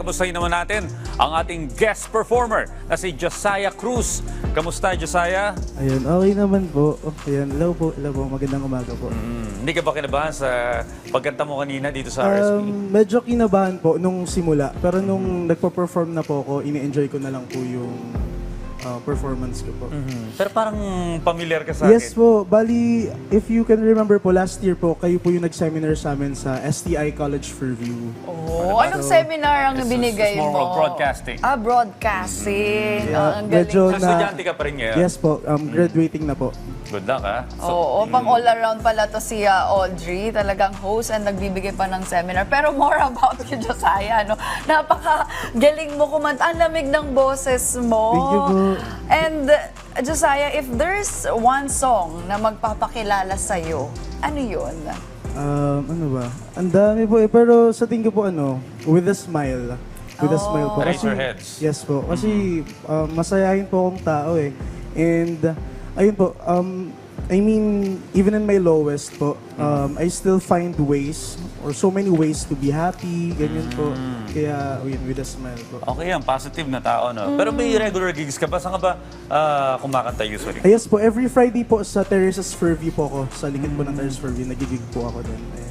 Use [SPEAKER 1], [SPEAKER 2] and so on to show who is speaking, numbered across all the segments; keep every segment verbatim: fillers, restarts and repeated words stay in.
[SPEAKER 1] kamustahin naman natin ang ating guest performer na si Josiah Cruz. Kamusta, Josiah?
[SPEAKER 2] Ayun, okay naman po. Ayun, hello po, hello po. Magandang umaga po.
[SPEAKER 1] Hmm, hindi ka ba kinabahan sa pagkanta mo kanina dito sa R S P?
[SPEAKER 2] Um, medyo kinabahan po nung simula. Pero nung nagpo-perform na po ako, ini-enjoy ko na lang po yung uh, performance ko po.
[SPEAKER 1] Mhm. Pero parang familiar ka sa
[SPEAKER 2] Yes
[SPEAKER 1] akin.
[SPEAKER 2] po. Bali, if you can remember po, last year po, kayo po yung nag-seminar sa amin sa S T I College Fairview.
[SPEAKER 3] Oh, anong seminar ang
[SPEAKER 1] It's-
[SPEAKER 3] binigay
[SPEAKER 1] it's more
[SPEAKER 3] mo?
[SPEAKER 1] of broadcasting.
[SPEAKER 3] Ah, broadcasting.
[SPEAKER 2] Yeah,
[SPEAKER 3] Ah, ang galing.
[SPEAKER 2] medyo
[SPEAKER 1] So,
[SPEAKER 2] na-
[SPEAKER 1] estudyante ka pa rin ngayon?
[SPEAKER 2] Yes po, um, graduating na po.
[SPEAKER 1] Good luck, ha?
[SPEAKER 3] Oo, pang all around pala to si ah, Audrey, talagang host and nagbibigay pa ng seminar. Pero more about you, Josiah, no? Napaka-galing mo kumanta. Ang lamig ng boses mo.
[SPEAKER 2] Thank you po.
[SPEAKER 3] And uh, Josiah, if there's one song na magpapakilala sa'yo, ano yun?
[SPEAKER 2] Um, ano ba? Ang dami po eh. Pero sa tingin ko po ano, with a smile. With a smile po.
[SPEAKER 1] Raise your heads.
[SPEAKER 2] Yes po. Kasi um, masayahin po akong tao eh. And uh, ayun po, um, I mean, even in my lowest po, um, I still find ways or so many ways to be happy, ganyan po. Kaya, ayun, with a smile po.
[SPEAKER 1] Okay yan, positive na tao, no? Pero may regular gigs ka ba? Saan ka ba ah, kumakanta usually?
[SPEAKER 2] Ah, yes po, every Friday po sa Terrace's Fairview po ako. Sa likod po ng Terrace's Fairview, nagigig po ako doon. Ayan.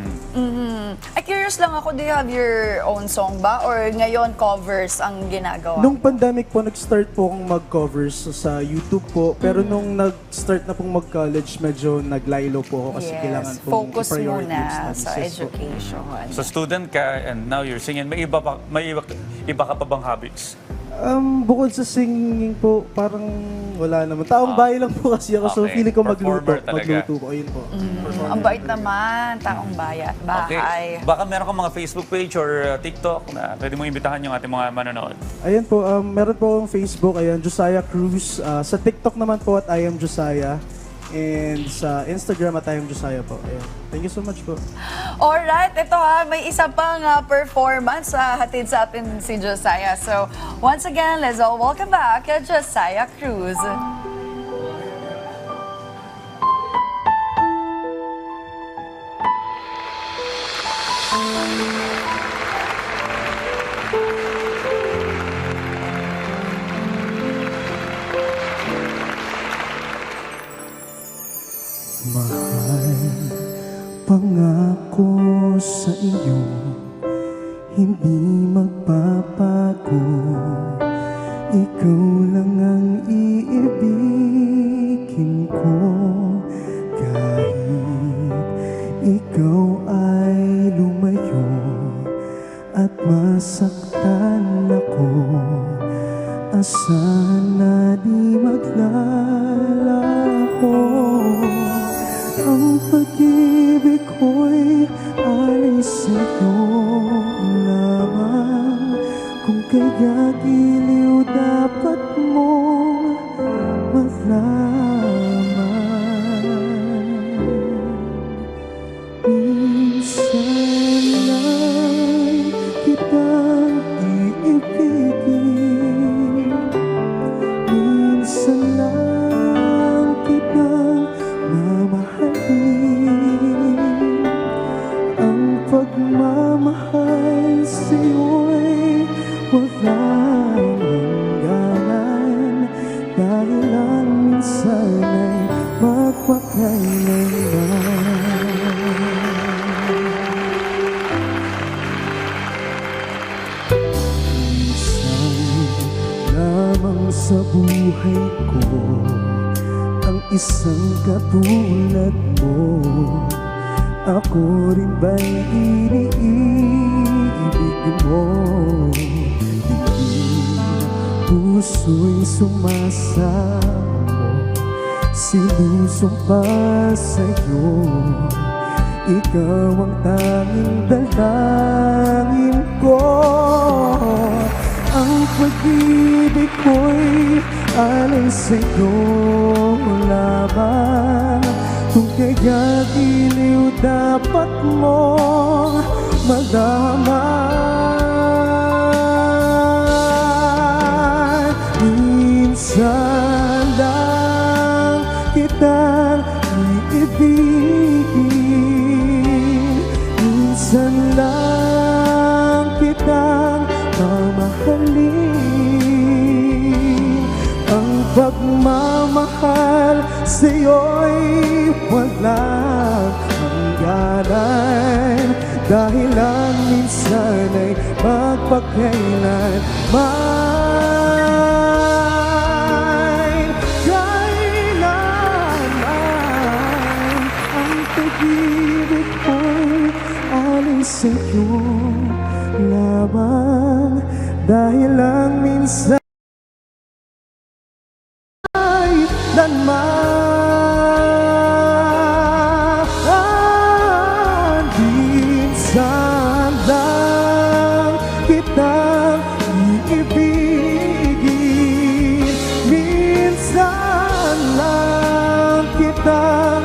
[SPEAKER 3] Ay, curious lang ako, do you have your own song ba? Or ngayon covers ang ginagawa?
[SPEAKER 2] Nung pandemic po, nag-start po akong mag-covers sa YouTube po. Pero nung nag-start na pong mag-college, medyo naglaylo po ako kasi
[SPEAKER 3] yes,
[SPEAKER 2] kailangan pong
[SPEAKER 3] focus
[SPEAKER 2] i-priority yung
[SPEAKER 3] muna
[SPEAKER 2] studies.
[SPEAKER 3] sa
[SPEAKER 2] Yes po.
[SPEAKER 3] education.
[SPEAKER 1] So student ka and now you're singing. May iba pa, may iba, iba ka pa bang habits?
[SPEAKER 2] Um, bukod sa singing po, parang wala naman. Taong bahay lang po kasi ako, so
[SPEAKER 1] Okay.
[SPEAKER 2] feeling ko magluto.
[SPEAKER 1] Performer talaga.
[SPEAKER 2] Magluto ko, ayun po. Performer.
[SPEAKER 3] Ang bait naman, taong bayan,
[SPEAKER 1] Okay.
[SPEAKER 3] bahay.
[SPEAKER 1] Baka meron kang mga Facebook page or uh, TikTok na pwede mo imbitahan yung ating mga manonood.
[SPEAKER 2] Ayan po, um, meron po akong Facebook, ayan, Josiah Cruz. Uh, sa TikTok naman po at I am Josiah. And sa Instagram at I am Josiah po. Ayan. Thank you so much po.
[SPEAKER 3] Alright, ito ha, may isa pang ah, performance sa hatid sa atin si Josiah. So, once again, let's all welcome back uh, Josiah Cruz.
[SPEAKER 2] Mahal, pangako sa iyo, hindi magbabago. Ikaw lang ang iibigin ko, kahit ikaw ay lumayo at masaktan ako. Asahan na di maglalaho. Ang pag-ibig ko'y alay sa'yo lamang. Kung kaya giliw dapat mong malaman. Minsan lang kitang iibigin. Minsan lang kitang mamahalin. Ang pagmamahal sa'yo'y walang hangganan. Dahilan minsan ay magpakailanman. Minsan lamang sa buhay ko ang isang katulad mo. Ako rin ba'y iniibig mo? Hindi puso'y sumasamo, sinusumpa sa'yo. Ikaw ang tanging dalangin ko. Ang pag-ibig ko'y alay sa'yo lamang. Kung kaya giliw dapat mong malaman. Minsan lang kitang iibigin. Minsan lang kitang pagmamahal sa'yo'y walang hangganan, dahil ang minsan ay magpakailanman. Kailanman ang pag-ibig ko'y alay sa'yo lamang, dahil ang minsan ay lanman. Minsan lang kitang iibigin, minsan lang kitang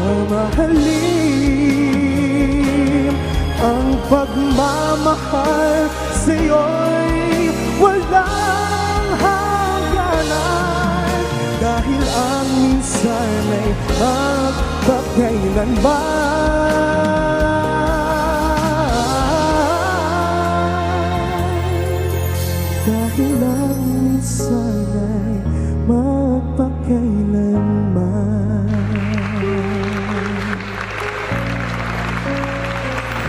[SPEAKER 2] mamahalin. Ang pagmamahal sa'yo'y walang hangganan, dahil ang minsan ay magpakailanman, dahil ang minsan ay magpakailanman.